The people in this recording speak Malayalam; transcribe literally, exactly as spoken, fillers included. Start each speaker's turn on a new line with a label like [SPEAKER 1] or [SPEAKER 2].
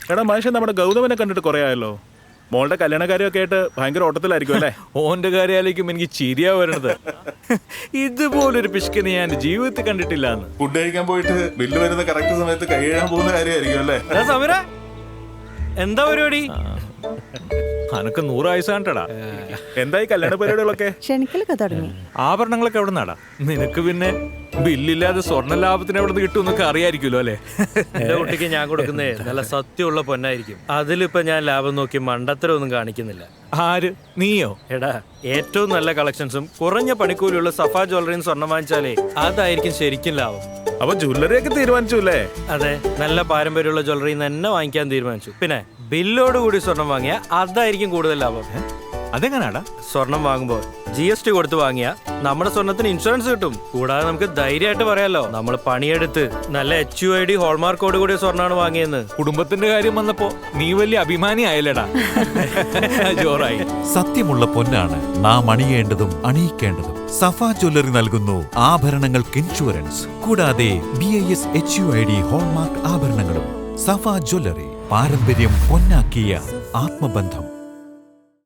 [SPEAKER 1] എടാ മനുഷ്യൻ നമ്മുടെ ഗൗതമനെ കണ്ടിട്ട് കുറെ ആയല്ലോ. മോളുടെ കല്യാണക്കാര്യമൊക്കെ ആയിട്ട് ഭയങ്കര ഓട്ടത്തിലായിരിക്കും അല്ലേ?
[SPEAKER 2] ഓന്റെ കാര്യാലേക്കും എനിക്ക് ചിരിയാ വരണത്. ഇതുപോലൊരു പിശുക്കിനെ ഞാൻ ജീവിതത്തിൽ കണ്ടിട്ടില്ല.
[SPEAKER 1] ഫുഡ് കഴിക്കാൻ പോയിട്ട് ബില്ല് വരുന്ന കറക്റ്റ് സമയത്ത് കൈ എഴുതാൻ പോകുന്ന കാര്യമായിരിക്കും അല്ലേ?
[SPEAKER 3] സമര എന്താ പരിപാടി?
[SPEAKER 2] അനക്ക് നൂറ് വയസ്സ് കണ്ടടാ.
[SPEAKER 1] എന്തായി കല്യാണ പരിപാടികളൊക്കെ?
[SPEAKER 4] ക്ഷണിക്കലൊക്കെ തുടങ്ങി.
[SPEAKER 2] ആഭരണങ്ങളൊക്കെ എവിടെ നടാ? നിനക്ക് പിന്നെ ബില്ലില്ലാതെ സ്വർണ്ണ ലാഭത്തിന് എവിടെ നിന്ന് കിട്ടുമെന്നൊക്കെ അറിയായിരിക്കുമല്ലോ അല്ലേ?
[SPEAKER 3] എന്റെ കുട്ടിക്ക് ഞാൻ കൊടുക്കുന്നേ നല്ല സത്യമുള്ള പൊന്നായിരിക്കും. അതിലിപ്പോ ഞാൻ ലാഭം നോക്കി മണ്ടത്തരം ഒന്നും കാണിക്കുന്നില്ല.
[SPEAKER 2] ആര്? നീയോ?
[SPEAKER 3] എടാ ഏറ്റവും നല്ല കളക്ഷൻസും കുറഞ്ഞ പണിക്കൂലിയുള്ള സഫ ജ്വല്ലറിയും സ്വർണ്ണം വാങ്ങിച്ചാലേ അതായിരിക്കും ശരിക്കും ലാഭം.
[SPEAKER 1] അപ്പൊ ജ്വല്ലറി ഒക്കെ തീരുമാനിച്ചു അല്ലേ?
[SPEAKER 3] അതെ, നല്ല പാരമ്പര്യമുള്ള ജ്വല്ലറി തന്നെ വാങ്ങിക്കാൻ തീരുമാനിച്ചു. പിന്നെ ബില്ലോട് കൂടി സ്വർണം വാങ്ങിയ അതായിരിക്കും കൂടുതൽ ലാഭം.
[SPEAKER 2] അതെങ്ങനാടാ?
[SPEAKER 3] സ്വർണം വാങ്ങുമ്പോൾ ജി എസ് ടി കൊടുത്ത് വാങ്ങിയ നമ്മുടെ സ്വർണത്തിന് ഇൻഷുറൻസ് കിട്ടും. കൂടാതെ നമുക്ക് ധൈര്യമായിട്ട് പറയാലോ നമ്മൾ പണിയെടുത്ത് നല്ല എച്ച് യു ഐ ഡി ഹോൾമാർക്കോട് കൂടിയ സ്വർണ്ണമാണ് വാങ്ങിയെന്ന്.
[SPEAKER 2] കുടുംബത്തിന്റെ കാര്യം വന്നപ്പോ നീ വലിയ അഭിമാനി ആയല്ലേടാ. ജോറായി.
[SPEAKER 5] സത്യമുള്ള പൊന്നാണ് നാം അണിയേണ്ടതും അണിയിക്കേണ്ടതും. സഫ ജ്വല്ലറി നൽകുന്നു ആഭരണങ്ങൾക്ക് ഇൻഷുറൻസ്, കൂടാതെ B I S H U I D hallmark ആഭരണങ്ങളും. സഫ ജ്വല്ലറി, പാരമ്പര്യം പൊന്നാക്കിയ ആത്മബന്ധം.